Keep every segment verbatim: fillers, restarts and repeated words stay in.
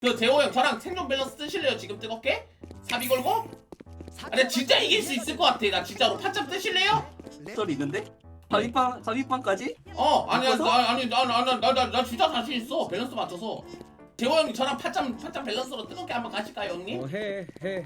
그 재호 형 저랑 생존 밸런스 뜨실래요? 지금 뜨겁게? 사비 걸고? 아, 나 진짜 이길 수 있을 것 같아. 나 진짜로 파점 뜨실래요? 썰이 있는데? 사비빵 사비빵까지? 어 아니야 바꿔서? 나 아니 나나나나 진짜 자신 있어. 밸런스 맞춰서. 재호 형님 저랑 파점 파점 밸런스로 뜨겁게 한번 가실까요 형님? 어, 해, 해.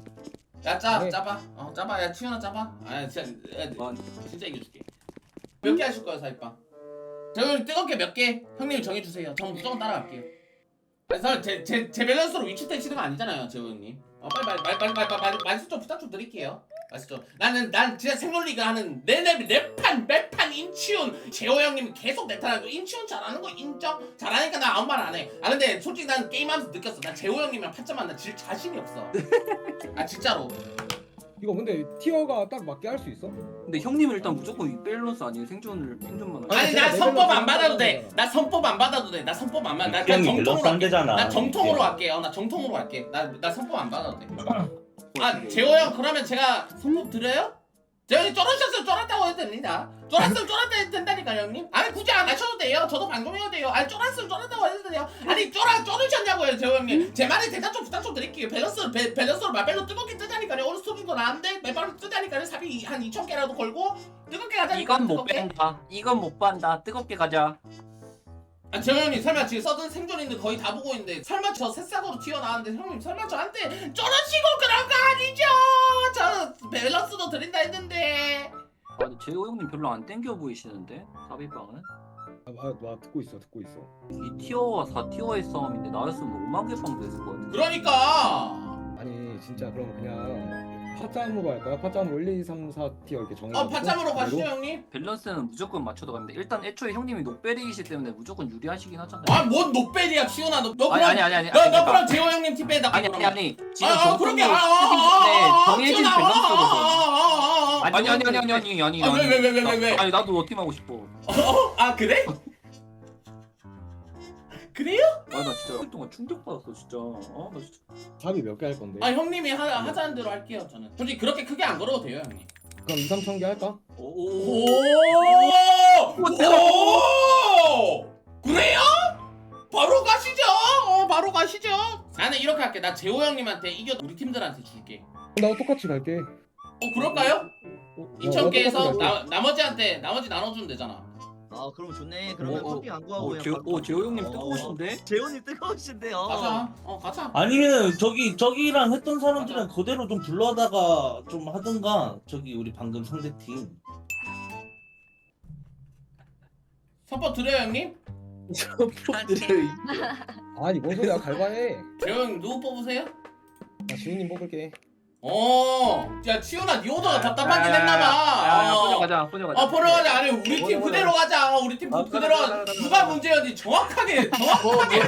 야짜 네. 짜봐. 어 짜봐. 야 치현아 짜봐. 아 진짜 야, 와, 진짜 이겨줄게. 몇 개 하실 거예요 사비빵? 재호 형님 뜨겁게 몇 개? 형님 정해주세요. 저 무조건 따라갈게요. 그래서 제 제 제 밸런스로 위치 떼시는 거 아니잖아요 재호 형님. 어 빨리 빨리 빨리 빨리 빨리 빨리 말씀 좀 부탁 좀 드릴게요. 말씀. 나는 난 진짜 생존리그 하는 내내 내판 매판 인치훈 재호 형님 계속 내타라고 인치훈 잘하는 거 인정? 잘하니까 나 아무 말 안 해. 아 근데 솔직히 난 게임하면서 느꼈어. 난 재호 형님이랑 파점만 나질 자신이 없어. 아 진짜로. 이거 근데 티어가 딱 맞게 할 수 있어? 근데 형님은 일단 무조건 밸런스 아니에요. 생존을 생존만 하는. 아니 제가 나 내 선법 밸런스 안 받아도 돼. 하는 나 선법 안 받아도 돼. 나 선법 안 받아. 나 이 그냥 형이 밸런스 정통으로 안 할게. 되잖아. 나 정통으로 이게. 할게요. 나 정통으로 할게. 나 나 선법 안 받아도 돼. 아 재호 형 그러면 제가 선법 드려요? 재호 형이 쫄으셨으면 쫄았다고 해도 됩니다. 쫄았으면 쫄았다 해도 된다니까요 형님. 아니 굳이 안 하셔도 돼요. 저도 방송해도 돼요. 아니 쫄았으면 쫄았다고 해도 돼요. 아니 쫄아 쫄으셨냐고요 재호 형님. 제 말에 대답 좀 부탁 좀 드릴게요. 밸런스 배, 밸런스로 마벨로 뜨겁게 뜨자니까요. 어느 수준도 나는데 매발로 뜨자니까요. 삽이 한 이천 개라도 걸고 뜨겁게 가자니까. 이건 못 뜨겁게. 뺀다. 이건 못 뺀다. 뜨겁게 가자. 아, 재호 형님 설마 지금 서든 생존인데 거의 다 보고 있는데 설마 저 새싹으로 튀어나왔는데 형님 설마 저한테 쫄으시고 그런 거 아니죠? 저 밸런스도 드린다 했는데. 아, 근데 재호 형님 별로 안 땡겨 보이시는데 사비빵은? 아, 아, 나 듣고 있어, 듣고 있어. 이 티어와 사 티어의 싸움인데 나였으면 오만 개 빵 됐을 것 같은데. 그러니까 아니, 진짜 그럼 그냥 파짬으로 할까요? 파짬으로 일, 이, 삼, 사 티어 이렇게 정해. 어 파짬으로 가시죠 형님. 밸런스는 무조건 맞춰도 갑니다. 일단 애초에 형님이 녹베리이기 때문에 무조건 유리하시긴 하잖아요. 아뭔 노벨이야 치훈아 너, 너 아니 그럼 아니 아니 아니. 너, 너 그러니까- 그럼 재호 형님 팀 빼다. 아니 아니 아니. 지금 아, 아 그런 게 정통으로 아, 스팀 아, 때 아, 아, 정해진 치훈아, 밸런스로. 아, 아, 아, 아, 아니 아니 아니 아니 아니 아니 아니. 아, 왜, 왜, 왜, 왜, 왜, 왜? 아니 나도 팀 하고 싶어. 어? 아 그래? 그래요? 아 나 진짜 일 동안 충격 받았어 진짜. 아나 진짜. 답이 몇 개 할 건데? 아 형님이 하, 하자는 대로 할게요 저는. 솔직히 그렇게 크게 안 걸어도 돼요 형님. 그럼 이, 삼천 개 할까? 오. 오! 오! 그래요? 바로 가시죠. 어, 바로 가시죠. 나는 이렇게 할게. 나 재호 형님한테 이겨 우리 팀들한테 줄게. 나 똑같이 갈게. 어, 그럴까요? 어, 이천 개에서 똑같이 갈게. 나, 나머지한테 나머지 나눠주면 되잖아. 아 그럼 좋네. 그러면 어, 어. 커피 안 구하고 오 그냥 재호 바로 오 재호 형님 어, 뜨거우신데? 재훈이 뜨거우신데요. 가자. 어, 가자. 아니면 저기 저기랑 했던 사람들은 맞아. 그대로 좀 불러다가 좀 하든가. 저기 우리 방금 상대 팀. 선법 드려요 형님? 아니, 뭔 소리야, 갈바해. 재호 형님 누구 뽑으세요? 나 지훈님 뽑을게. 어, 야 치훈아 니 오더가 답답하긴 야, 했나봐. 포녀 어. 가자 포녀 가자. 어 보러 가자. 아니 우리 팀 그대로 가자. 우리 팀 아, 그대로 가자, 가자. 가자, 가자, 누가 가자. 문제였지 정확하게 정확하게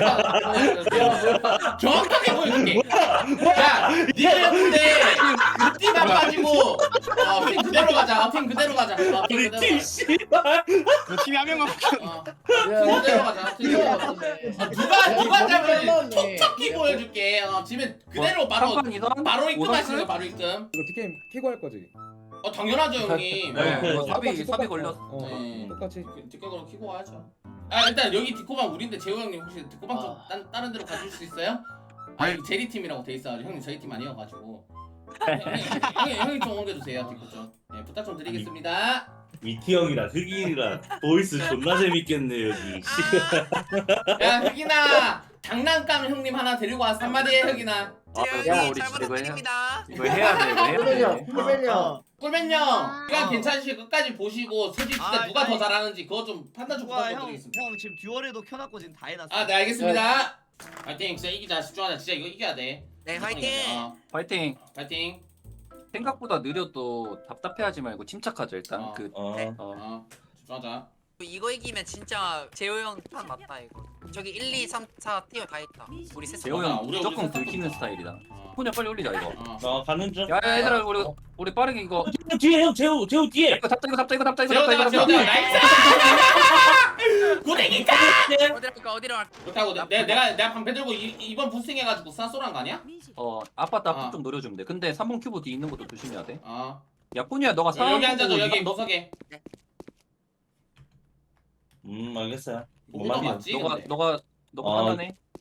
정확하게 보여줄게. 야 니들 근데 팀안 빠지고 어, 팀 그대로 가자. 어, 팀 그대로 가자. 어, 팀 우리 그대로 팀 가자. 씨발. 그 팀이 한 명만 어, 팀 그대로 가자. 팀 그대로 가자. 어, 누가 누가 잡을지 톡톡히 보여줄게. 어, 집에 그대로 바로 삼판 이상? 바로 입금하시는 오성 거 바로 입금. 이거 티켓 키고 할 거지? 어 당연하죠 형님. 네, 어. 이거 사비 똑같이, 사비 똑같이. 걸렸어. 어, 네. 똑같이. 뒷각으로 키고 와야죠. 아 일단 여기 뒷코방 우린데 재호 형님 혹시 뒷코방 좀 아. 딴, 다른 데로 가줄 수 있어요? 아 여기 제리 팀이라고 돼 있어가지고 형님 저희 팀 아니어가지고 형님, 형님, 형님 좀 옮겨주세요 뒷코 좀. 네, 부탁 좀 드리겠습니다. 미티 형이랑 흑인이랑 보이스 존나 재밌겠네 여기. 야 흑이나 장난감 형님 하나 데리고 와서 한마디 해 흑이나. 아, 이거 재현이 우리 잘 진짜 이거 해야 부탁드립니다. 이거 해야 돼 이거 해야 돼. 꿀벨려. 꿀맨 형 아. 시간 어. 괜찮으시 끝까지 보시고 솔직히 진짜 아, 누가 더 아니. 잘하는지 그거 좀 판단 좀 부탁 좀 형, 드리겠습니다. 형 지금 듀얼에도 켜놨고 지금 다 해놨어. 아 네 알겠습니다. 파이팅 진짜 이기자 집중하자 진짜 이거 이겨야 돼. 네, 화이팅! 어, 파이팅. 파이팅. 생각보다 느려도 답답해하지 말고 침착하자 일단. 어. 그 어. 네. 어. 어 집중하자. 이거 이기면 진짜 재호 형판 맞다 이거. 저기 일, 이, 삼, 사 티어 다 있다. 우리 셋. 재호 맞아, 형 우리 무조건 우리 긁히는 셋 스타일이다. 어. 포녀 빨리 올리자 이거. 어. 어 가는 중. 야 얘들아 우리 우리 빠르게 이거. 어, 뒤에 형 재우 재우 뒤에. 이거 잡자 이거 잡자 이거 잡자 이거 잡자 재호다 이거 재호다 잡자. 나이스 고댕이다 어디로 갈까? 어디로 갈까? 그렇다고 내, 내가 내가 방패 들고 이, 이번 부스팅 해가지고 싼소란 거 아니야? 어 아빠 딱 어. 좀 노려주면 돼. 근데 삼 번 큐브 뒤에 있는 것도 조심해야 돼. 어 야 포녀야 너가 상황 여기 앉아줘 보고 여기 이거- 구석에 음 알겠어요. 뭐가 뭔 말이야? 맞지 너가 근데 너가 너가 어. 판단해.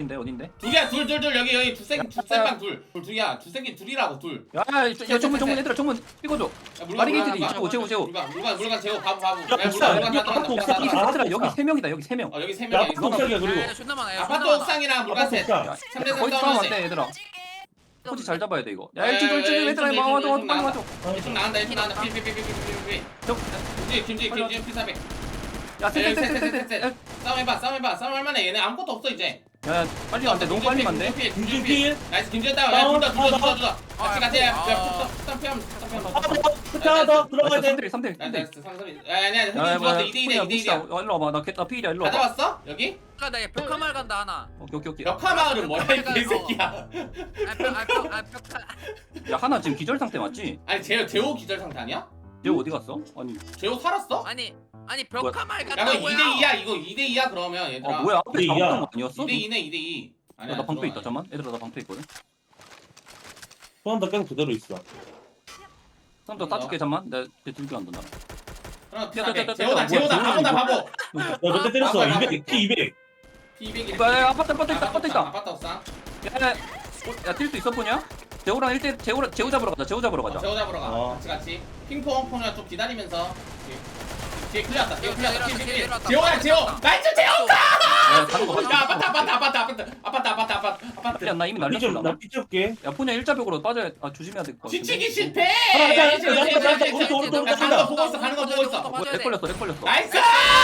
어딘데 어딘데? 둘이야 둘 둘 둘 여기 여기 주생 주생방 둘. 둘 둘이야 주생기 둘이라고 둘. 야, 야, 야 정문 정문 얘들아 정문 찍어줘. 야, 물건 마리게이트 물건 제우, 제우, 제우. 물건 물건 물건 제우 바보 바보. 야 옥상, 물건 물건 다 아파트 들어간다. 옥상. 다 얘들아 들어간다. 여기 세 명이다 여기 세 명. 어 여기 세 야 명이야. 아파트 옥상이야 그리고 야, 존나 많아. 야, 아파트 존나 많아. 옥상이랑 물건 아파트 셋. 옥상. 삼 대 삼 거기 싸우면 싸우면 안 돼 돼. 얘들아. 던질게. 포지 잘 잡아야 돼 이거. 야, 야 일찍 야, 일찍 야, 얘들아 일찍, 와줘 일찍 와줘 빨리 나간다. 와줘. 이쪽 나간다 이쪽 나간다. 피피피피피피피. 저, 김지 김지 김지 피사백. 야 셋셋셋셋셋. 싸움 해봐 싸움 해봐 싸움 할만해 얘네 아무것도 없어 이제. 야 빨리 안 돼 너무 빨리 안 돼. 김준 필. 나이스 김지현 다운. 야 둘다 둘다 둘다 둘다. 같이 같이. 야 스탑 피하면 스탑 피하면. 하나 더 들어가야 돼. 삼 대 일 삼 대 일. 야 삼 대 일. 나이스 삼삼이. 야 아니야 야, 흑인 뭐야, 좋았어 이 대 이야 야, 이 대 봅시다. 이야. 어, 일로 와봐. 나 개- 나 필이야. 일로 다 와봐. 잡았어 여기? 아까 나 벽화말 간다 하나. 오케이 오케이 오케이. 역하마을은 뭐야 이 개새끼야. 아, 벽, 아, 벽, 아, 벽화. 야 하나 지금 기절 상태 맞지? 아니 제호 제호 기절 상태 아니야? 쟤 어디 갔어? 아니. 제호 살았어? 아니, 아니 벽화말 야 그럼 간다고요. 이 대 이야 이거 이 대 이야 그러면 얘들아. 아 뭐야 앞에 이 대 이야. 잡았던 거 아니었어? 이 대 이네 이 대 이. 야, 나 방패 있다 잠만. 얘들아 나 방패 있거든. 소환다 계속 그대로 있어. 삼 더 따줄게 잠만. 내가 쟤 들기 안 된다. 그럼 야, 야, 야, 야, 제호다 야, 제호다 뭐야, 바보다 뭐야, 바보. 야 몇 대 때렸어? 이백 피 이백. 피 이백이. 야, 야, 아파트 아파트 있다 아파트 있다. 아파트 옥상. 야야야뛸 수 있어 보냐? 재호랑 일 대 재호 재호 잡으러 가자. 재호 잡으러 어, 가자. 제호 잡으러 가. 어. 같이 같이. 핑퐁 폰이랑 좀 기다리면서. 뒤에 클리어 왔다. 뒤에 클리어 왔다. 내려왔다, 뒤에 내려왔다. 제호야 제호. 나이스 제호. 야 다른 거 야 봐. 아파트 아파트 아파트 아파트 아파트 아파트 아파트 아파트. 야, 나 이미 날렸어. 나. 나피 줄게. 야 폰야 일자벽으로 빠져야 아 조심해야 될 것 같은데. 뒤치기 실패. 하나, 하나, 하나, 하나, 하나, 하나, 야, 오른쪽, 오른쪽, 오른쪽, 가는 거 보고 있어 가는 거 보고 있어. 뭐, 렉 걸렸어 렉 걸렸어. 나이스.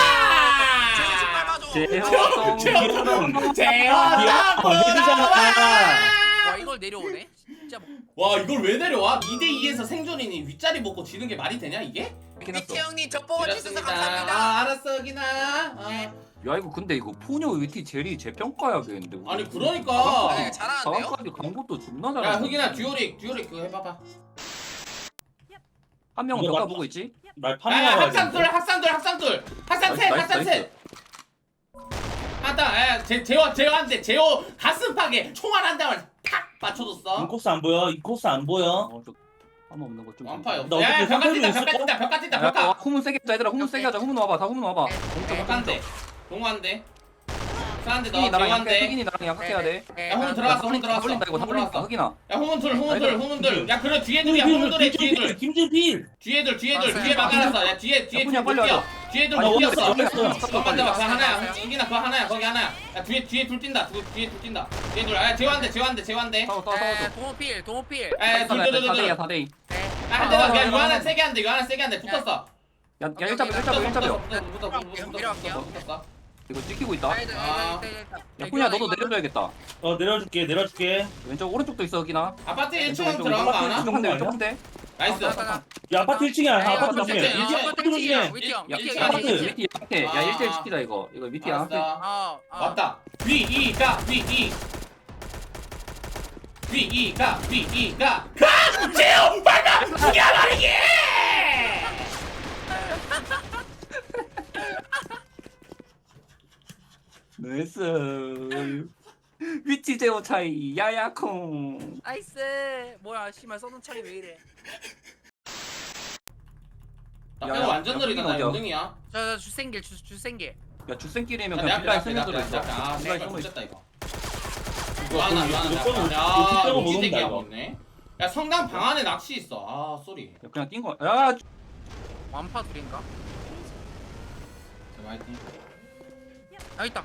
제발 재호 봐줘. 제호다 보라. 와 이걸 내려오네. 진짜 뭐. 와 이걸 왜 내려와? 이 대 이에서 생존이니 윗자리 먹고 지는 게 말이 되냐 이게? 미치 형님 저 보고 주셔서 그렇습니다. 감사합니다. 아 알았어 기나. 아. 야 이거 근데 이거 포뇨 위티 제리 재평가야겠는데. 우리. 아니 그러니까. 아, 잘하는데요? 사강까지 간 것도 존나 잘해. 야 흑이나 듀오릭 듀오릭 그거 해봐봐. 한 명은 이거 평가 맞- 보고 있지? 날 야 파밍하러 학산둘 학산둘 학산둘 학산 셋 나이스, 학산 나이스. 셋. 하다 야 제호 제호 한대 제호 가슴팍에 총알 한 대만 탁 맞춰줬어. 인코스 안 보여. 인코스 안 보여. 어좀 한번 없는 거 좀. 완파요. 나 야 어떻게 벽 같은다 상대로 벽 같은다 벽 같은다 야, 벽 같. 후문 세게 하자 얘들아. 후문 세게 하자. 후문 와봐. 다 후문 와봐. 벽 한대. 동호한대. 수한대 너 흑인이 나랑 약해. 동호한대. 흑인이 나랑 약해야 돼. 네, 야, 홍 네. 들어갔어, 다 홍 들어갔어. 걸린다 이거 다 홍 걸린다. 들어갔어. 흑인아. 야 후문둘 후문둘 아니다. 후문둘. 야 그래 뒤에 둘이야 후문둘에 뒤에 둘. 김준 필. 뒤에 둘 뒤에 둘 알았어요. 뒤에 막아놨어. 야 뒤에 뒤에 야, 둘 빨리 뛰어. 와줘. 뒤에 둘 아니, 못 오늘 뛰었어. 빨리 잠깐만 왔어. 잠깐만 그거 하나야. 알았어요. 이기나 그거 하나야. 거기 하나야. 야 뒤에 뒤에 둘 뛴다. 두, 뒤에 둘 뛴다. 뒤에 둘. 아 재환대 재환대 재환대. 싸워 싸워 싸워. 에, 동호필 동호필. 에둘둘둘둘. 사 대이야 사 대이. 한 대만. 야 이거 하나 세게 한대. 이거 하나 세게 한대. 붙었어. 야, 야 일자벽 일자벽 일자벽. 붙었어 붙었어 붙었어 붙었어 붙었어. 이거 찍히고 있다. 아. 야 푸냐 너도 내려줘야겠다. 어 내려줄게 내려줄게. 왼쪽 오른쪽도 있어 흑인아. 아파트 왼쪽 일 층 왼쪽 들어간 거 아나? 왼쪽 한 대 왼쪽 한 대. 나이스. 야 아파트 일 층이야. 아, 아파트 아파트 일 층이야. 일 층. 아파트 일 층이야. 위티 형. 야, 위티 일 형. 층 위티 형. 밑이 약해. 야 아. 일 대 일 시키자 이거. 이거 밑이 약해. 알았어. 어, 어. 왔다. 위이가 위이. 위이가 위이가. 가! 제우 빨리 죽여버리기! 나이스. 위치 제어 차이 야야콩. 나이스. 뭐야, 씨발 써둔 차이 왜 이래? 나 야, 빼고 야, 완전 야, 느리다. 나 어디야? 연등이야. 저, 저 주생길 주 주생길. 야 주생길이면 내 그냥 앞에 빌라에 내 스며 앞에 내 들어 앞에. 있어. 아, 빌라에 씨발 숨어 있어. 미쳤다 이거. 이거 아, 나, 이거 나, 나, 이거 나. 이거 야, 빼고 못 무기 온다 대기야 이거. 없네. 야, 성당 방 안에 낚시 있어. 아, 쏘리. 야, 그냥 뛴 거. 야 완파 둘인가? 자, 화이팅. 아 있다.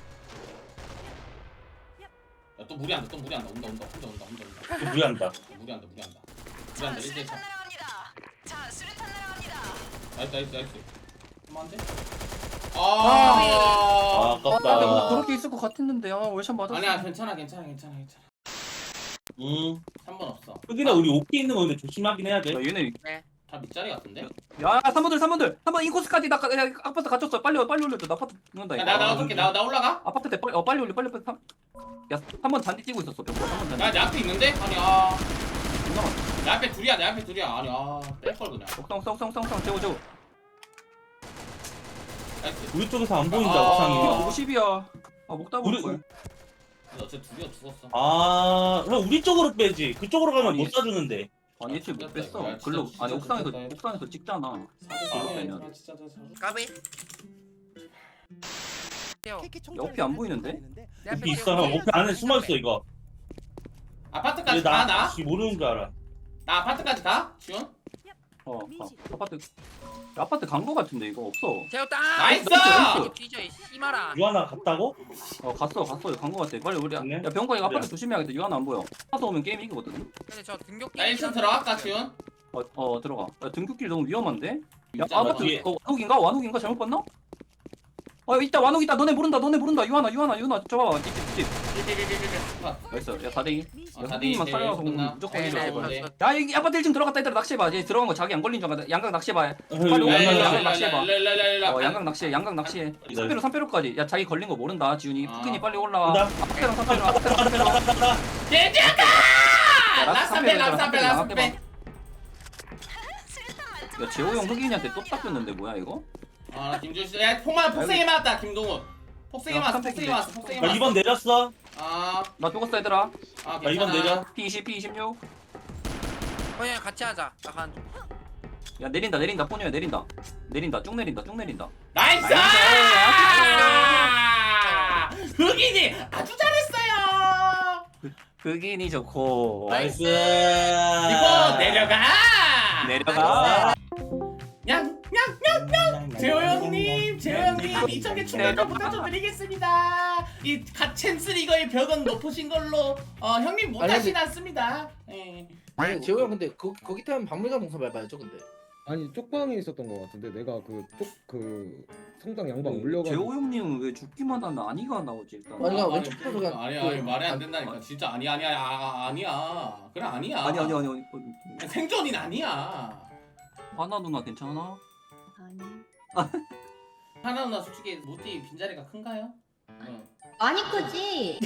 야, 또 무리한다. 또 무리한다. 온다, 온다, 온다, 온다, 온다, 온다. 또 무리한다. 무리한다, 무리한다. 자, 무리한다. 일대 수류탄 차. 날아갑니다. 자, 수류탄 날아갑니다. 나이스, 나이스, 나이스. 한번한데? 아 아. 아, 근데 뭐 아깝다. 그렇게 있을 것 같았는데 아 월샷 맞았어. 아니야, 괜찮아, 괜찮아, 괜찮아, 괜찮아. 음. 삼 번 없어. 여기나 우리 오피 있는 거 근데 조심하긴 해야 돼. 야 얘네 다 밑자리 같은데? 야 삼 번들 삼 번들 삼 번 인코스까지 나 야, 아파트 갇혔어. 빨리 빨리 올려줘. 나 아파트 죽는다 야, 이거. 나, 나 어떻게, 나, 나 올라가? 아파트 때 빨리 어 빨리 올려 빨리 빨리. 야한 번 잔디 뛰고 있었어. 병거 한번 잔디. 야, 내 앞에 있는데? 아니, 아. 존나 많아. 내 앞에 둘이야, 내 앞에 둘이야. 아니, 아. 뺄걸 그냥. 옥상 옥상 옥상 옥상 재워 재워. 나이스. 우리 쪽에서 안 보인다 아. 옥상이. 오십이야. 아 목다 우리- 볼 걸. 어째 둘이야 죽었어. 아 그럼 우리 쪽으로 빼지. 그쪽으로 가면 아니. 못 사주는데. 아니 애초에 못 야, 뺐어. 진짜, 글로 진짜 아니 옥상에서 좋겠다. 옥상에서 찍잖아. 사대 아, 사대. 그냥. 아, 진짜 저 저. 까비. 태워. 옆이 안 보이는데? 내 앞에 오피 있어. 태워. 오피 안에 숨어 있어 이거. 아파트까지 얘 가 나 나? 혹시 모르는 줄 알아. 나 아파트까지 가? 지훈? 어, 어 아파트 아파트 간 거 같은데 이거 없어. 태웠다. 나이스! 나이스! 뒤져 이 씨마라. 유하나 갔다고? 어 갔어 갔어 간 거 같아. 빨리 우리 갔네? 야 병과 이거 아파트 그래. 조심해야겠다. 유한 안 보여. 가서 오면 게임 이기거든. 근데 저 등격기. 나 일 층 들어갈까 지훈? 어, 어 들어가. 야, 등굣길 너무 위험한데? 야 진짜 아파트 뒤에. 어, 완욱인가? 완욱인가? 잘못 봤나? 어 있다 완욱 있다. 너네 모른다 너네 모른다. 유한아 유한아 유한아 저 봐봐. 집집 나이스. 야 사 대 이. 어, 야 사 대 이 후기만 제일 살아서 끝나. 무조건 제일 이겨. 잘 이거. 보네. 야 여기 아파트 일 층 들어갔다 얘들아 낚시해봐. 얘 들어간 거 자기 안 걸린 줄 알아. 양각 낚시해봐. 빨리 야, 오면 야, 야, 양각 야, 낚시해봐. 랄랄랄랄랄. 어 양각 낚시해 양각 낚시해. 기다려. 삼배로 삼배로까지. 야 자기 걸린 거 모른다 지훈이. 아. 푸근이 빨리 올라와. 온다. 아파트랑 삼배로 아파트랑 삼배로. 개지야가! 야, 라스트빼 라스트빼 라스트빼. 야 재호 형 흑인이한테 또 닦였는데 뭐야 이거? 아 김준 씨, 야 폭만 폭생이 맞았다 김동훈. 폭생이 야, 맞았어, 깜짝이야. 폭생이 맞았어, 폭생이 야 맞았어. 이 번 내렸어. 아, 나 죽었어 얘들아. 아 야 이 번 괜찮아. 내려. 피 이십 피 이십육. 그냥 같이 하자. 약간 야 내린다 내린다 포뇨야 내린다. 내린다 쭉 내린다 쭉 내린다. 나이스! 나이스! 흑인이 아주 잘했어요. 흑인이 좋고. 나이스. 이거 내려가. 내려가. 냥냥냥냥. 재호 형님, 재호 형님 이천 개 충전 부탁 좀 드리겠습니다. 이 갓챈스 리거의 벽은 높으신 걸로 어 형님 못하진 않습니다. 예. 아니 재호 형 근데 거, 거기 타면 박물관 동선 밟아야죠 근데. 아니 쪽방에 있었던 것 같은데 내가 그 쪽 그 성당 양방 재호 올려가지고 형님은 왜 죽기만 하면 아니가 나오지 일단. 아니, 아니, 왼쪽 편으로 아니 가- 아니 말이 안 아, 된다니까. 진짜 아니 아니 아니 아, 아니야. 그래 아니야. 아니 아니 아니 아니. 생존인 아니야. 하나 누나 괜찮아? 아니. 하나 누나 솔직히 모띠 빈자리가 큰가요? 어. 많이 크지?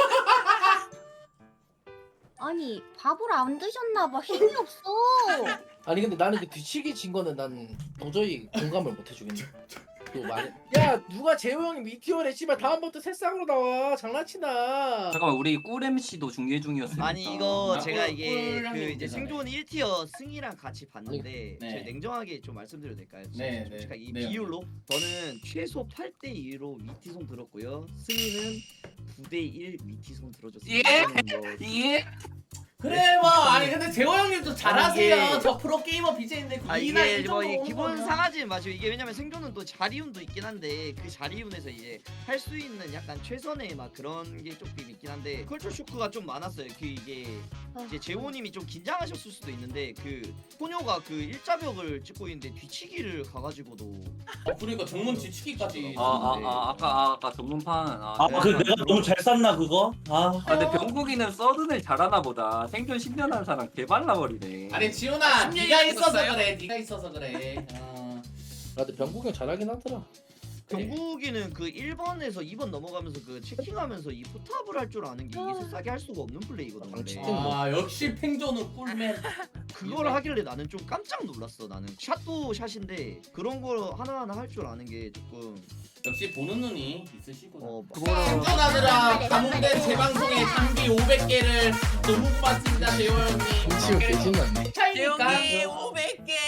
아니 밥을 안 드셨나봐 힘이 없어. 아니 근데 나는 그 뒤치기 진 거는 난 도저히 공감을 못 해주겠네. 또 말. 야 누가 재호 형이 미티어래 씨발 다음부터 새싹으로 나와 장난치나. 잠깐만 우리 꿀 엠씨도 중계 중이었으니까. 아니 이거 아, 제가 꿀- 이게 꿀 그 형님 이제 되잖아요. 생존 일 티어 승이랑 같이 봤는데 네. 제가 냉정하게 좀 말씀드려도 될까요? 네, 네. 솔직하게 이 네, 비율로 저는 최소 팔 대 이로 위티송 들었고요. 승희는 구 대 일 위티송 들어줬습니다. 예? 저는 뭐 예? 그래 뭐 아니 근데 재호 형님도 잘하세요. 아니, 이게- 저 프로 게이머 비제인데 아 이나 이게 이 뭐 정도 이 오는 기본 거면. 상하지는 마시고 이게 왜냐면 생존은 또 자리운도 있긴 한데 그 자리운에서 이제 할 수 있는 약간 최선의 막 그런 게 조금 있긴 한데 컬처 쇼크가 좀 많았어요. 그 이게 이제 재호님이 좀 긴장하셨을 수도 있는데 그 소녀가 그 일자벽을 찍고 있는데 뒤치기를 가가지고도 어, 그러니까 정문 뒤치기까지. 아, 아, 아, 아까, 아, 아까 전문판. 아, 아 네. 그 내가 너무 잘 쌌나 그거? 아. 아, 근데 병국이는 서든을 잘하나 보다. 생존 십 년 한 사람 개발라버리네. 아니 지훈아 십 년이 네가 있어서 됐어요? 그래. 네가 있어서 그래. 어. 나 근데 병국 형 잘하긴 하더라. 경국이는 그 일 번에서 이 번 넘어가면서 그 체킹하면서 이 포탑을 할 줄 아는 게 이게 싸게 할 수가 없는 플레이거든. 근데 방치 아 역시 팽조는 꿀맨. 그걸 하길래 나는 좀 깜짝 놀랐어. 나는 샷도 샷인데 그런 걸 하나하나 할 줄 아는 게 조금 역시 보는 눈이 있으시구나. 어 생존하느라 감옥된 재방송에 장비 오백 개를 너무 고맙습니다 재호 형님. 김치호 개진났네. 차이니까. 재용님 오백 개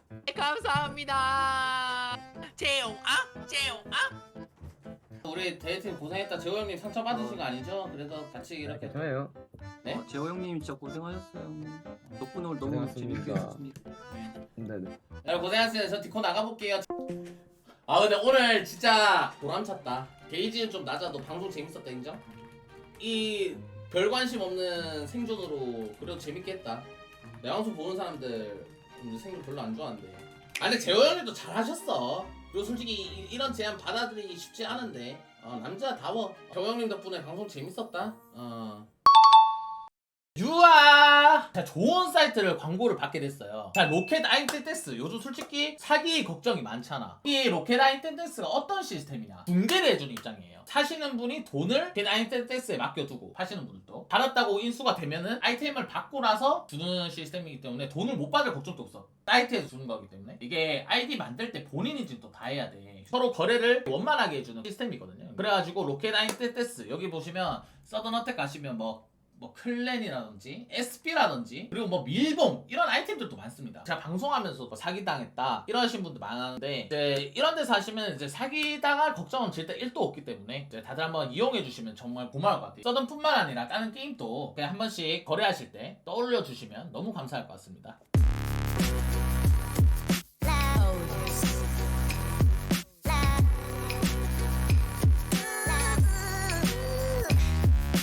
감사합니다. 재용 아 재용 아. 우리 대회팀 고생했다. 재호 형님 상처 받으신 거 아니죠? 그래도 같이 이렇게. 괜찮아요. 네? 어, 재호 형님 진짜 고생하셨어요. 덕분에 오늘 너무 고생하셨습니다. 재밌게 했습니다. 네네. 여러분 고생하셨어요. 저 디코 나가볼게요. 아 근데 오늘 진짜 보람찼다. 게이지는 좀 낮아도 방송 재밌었다 인정? 이 별 관심 없는 생존으로 그래도 재밌게 했다. 내 방송 보는 사람들 좀 생존 별로 안 좋아한대. 아 근데 재호 형님도 잘하셨어. 그리고 솔직히 이, 이런 제안 받아들이기 쉽지 않은데 어, 남자다워. 재호 형님 덕분에 방송 재밌었다. 어. 유아! 자, 좋은 사이트를 광고를 받게 됐어요. 자, 로켓 아인텐데스. 요즘 솔직히 사기 걱정이 많잖아. 이 로켓 아인텐데스가 어떤 시스템이냐? 붕괴를 해주는 입장이에요. 사시는 분이 돈을 로켓 아인텐데스에 맡겨두고 파시는 분들도 받았다고 인수가 되면은 아이템을 받고 나서 주는 시스템이기 때문에 돈을 못 받을 걱정도 없어. 사이트에서 주는 거기 때문에 이게 아이디 만들 때 본인 인증 또 다 해야 돼. 서로 거래를 원만하게 해주는 시스템이거든요. 그래가지고 로켓 아인텐데스 여기 보시면 서든어택 가시면 뭐 뭐 클랜이라든지 에스피라든지 그리고 뭐 밀봉 이런 아이템들도 많습니다. 제가 방송하면서 뭐 사기당했다 이러신 분들 많았는데 이제 이런 데서 하시면 이제 사기당할 걱정은 절대 일도 없기 때문에 이제 다들 한번 이용해 주시면 정말 고마울 것 같아요. 서든뿐만 아니라 다른 게임도 그냥 한 번씩 거래하실 때 떠올려 주시면 너무 감사할 것 같습니다.